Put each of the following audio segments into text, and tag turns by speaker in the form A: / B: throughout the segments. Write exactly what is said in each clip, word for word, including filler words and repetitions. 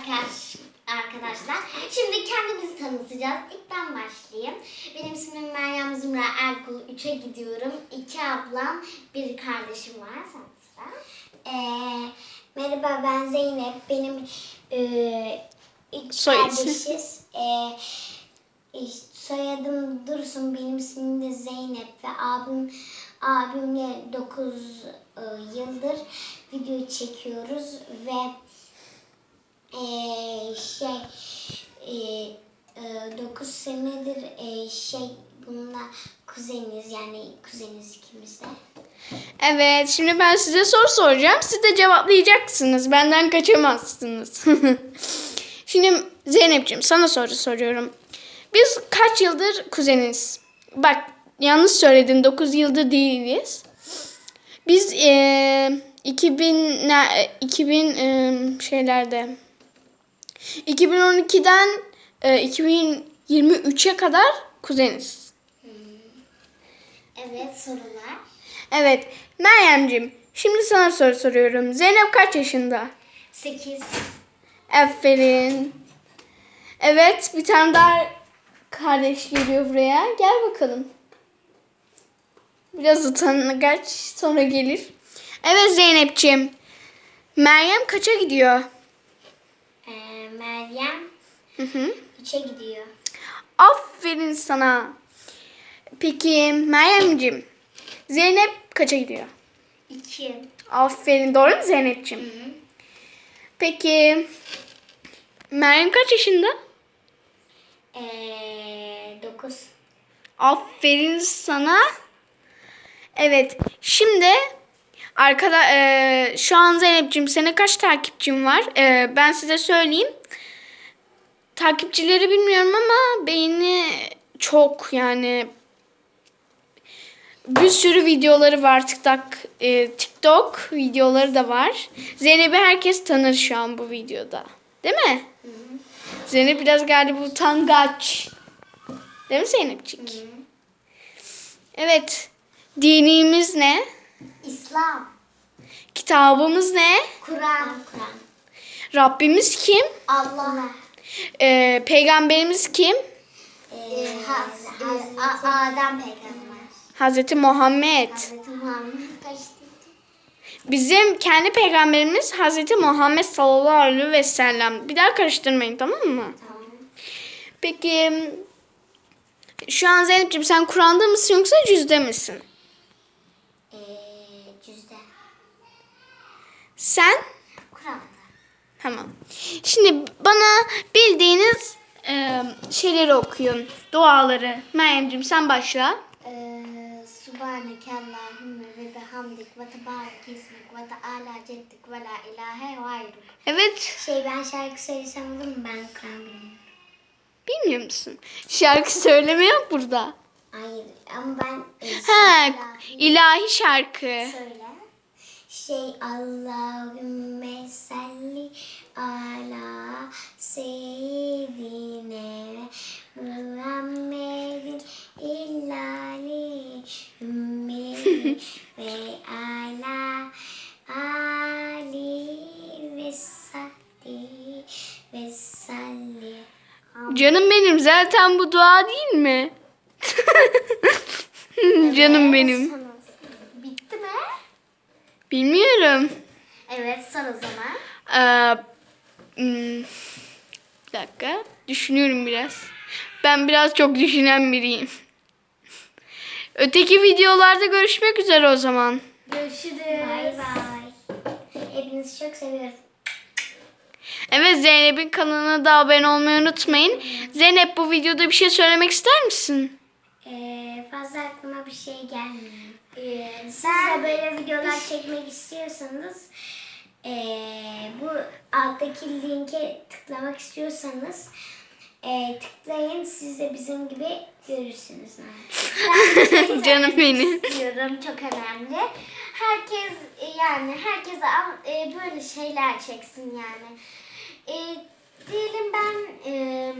A: arkadaş, arkadaşlar. Şimdi kendimizi tanıtacağız. İlk ben başlayayım. Benim ismim Meryem Zümra Erkul. üçe gidiyorum. İki ablam, bir kardeşim var. Sen sıra.
B: Ee, merhaba, ben Zeynep. Benim e, üç
C: Soy
B: kardeşiz. Ee, soyadım Dursun. Benim ismim de Zeynep ve abim abimle dokuz e, yıldır video çekiyoruz ve e, şey dokuz senedir e, şey bununla kuzeniz, yani kuzeniz ikimiz de.
C: Evet, şimdi ben size soru soracağım. Siz de cevaplayacaksınız. Benden kaçamazsınız. Şimdi Zeynep'ciğim sana soru soruyorum. Biz kaç yıldır kuzeniz? Bak yanlış söyledin. dokuz yıldır değiliz. Biz e, iki bin iki bin e, şeylerde iki bin on ikiden e, iki bin yirmi üçe kadar kuzeniz.
A: Evet, sorular.
C: Evet. Meryem'ciğim şimdi sana soru soruyorum. Zeynep kaç yaşında?
A: sekiz.
C: Aferin. Evet, bir tane daha kardeş geliyor buraya. Gel bakalım. Biraz utangaç, sonra gelir. Evet Zeynep'ciğim. Meryem kaça gidiyor?
B: Ee, Meryem
C: Hı hı.
B: üçe gidiyor.
C: Aferin sana. Peki Meryem'ciğim. Zeynep kaça gidiyor?
A: iki.
C: Aferin. Doğru mu Zeynep'ciğim?
A: Hı hı.
C: Peki Meryem kaç yaşında?
B: Ee, dokuz.
C: Aferin sana. Evet. Şimdi arkada e, şu an Zeynep'ciğim senin kaç takipçin var? E, ben size söyleyeyim. Takipçileri bilmiyorum ama beğeni çok, yani bir sürü videoları var. TikTok, e, TikTok videoları da var. Zeynep'i herkes tanır şu an bu videoda. Değil mi?
A: Hı hı.
C: Zeynep biraz galiba utangaç. Değil mi Zeynepcik?
A: Hı hı.
C: Evet. Dinimiz ne?
A: İslam.
C: Kitabımız ne?
A: Kur'an.
B: Kur'an.
C: Rabbimiz kim?
A: Allah.
C: Ee, peygamberimiz kim?
A: Ee, Haz, e, A- Adem peygamber.
C: Hazreti Muhammed.
A: Hazreti Muhammed kaçtı?
C: Bizim kendi peygamberimiz Hazreti Muhammed sallallahu aleyhi ve sellem. Bir daha karıştırmayın, tamam mı?
A: Tamam.
C: Peki şu an Zeynep'ciğim sen Kur'an'da mısın yoksa cüzde misin?
B: Ee, cüzde.
C: Sen?
A: Kur'an'da.
C: Tamam. Şimdi bana bildiğiniz e, şeyleri okuyun. Duaları. Meryem'ciğim sen başla.
A: Ee, Subhaneke Allahümme ve bihamdik ve tebarek ismik ve teala ceddik ve la ilahe gayruk.
C: Evet.
B: Şey, ben şarkı söylesem olur mu? Ben Kur'an bilmiyorum.
C: Bilmiyor musun? Şarkı söyleme yok burada.
B: Hayır ama ben e,
C: Ha, ilahi şarkı.
A: Söyle.
B: şey Allahümme salli ala seyyidine Muhammedin illali ümmeti ve ala ali ve sahbi ve salli.
C: Canım benim, zaten bu dua değil mi? Canım benim.
A: Son olsun. Bitti mi?
C: Bilmiyorum.
A: Evet, son o zaman.
C: Ee, hmm, bir dakika. Düşünüyorum biraz. Ben biraz çok düşünen biriyim. Öteki videolarda görüşmek üzere o zaman.
A: Görüşürüz.
B: Bay bay. Hepinizi çok seviyorum.
C: Evet, Zeynep'in kanalına da abone olmayı unutmayın. Zeynep, bu videoda bir şey söylemek ister misin?
B: Ee, fazla aklıma bir şey gelmiyor.
A: Ee,
B: Siz
A: sen
B: de böyle videolar çekmek istiyorsanız ee, bu alttaki linke tıklamak istiyorsanız ee, tıklayın. Siz de bizim gibi görürsünüz.
A: ben
C: Canım benim.
A: istiyorum, çok önemli. Herkes e, yani herkese am- e, böyle şeyler çeksin yani. E, diyelim ben e,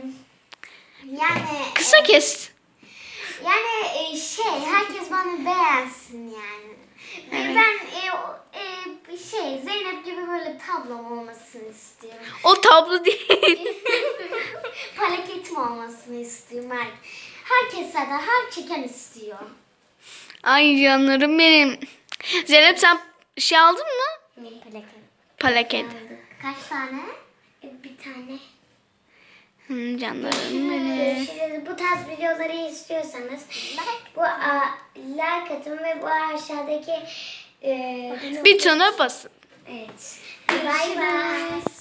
A: yani
C: Kısa kes.
A: yani e, şey herkes bana beğensin yani. Ve
C: Evet.
A: ben e, o- e, şey Zeynep gibi böyle böyle tablom olmasını istiyorum.
C: O tablo değil.
A: Plaketim olmasını istiyorum. Her, herkes de her çeken istiyor.
C: Ay canlarım benim. Zeynep sen şey aldın mı?
B: Ne? Plaket.
C: Plaket.
A: Kaç tane?
B: E, Bir tane.
C: Hı, canlarım benim.
B: Görüşürüz. Bu tarz videoları istiyorsanız bu a, like atın ve bu aşağıdaki e,
C: Bir tane basın.
B: evet. Bay bay.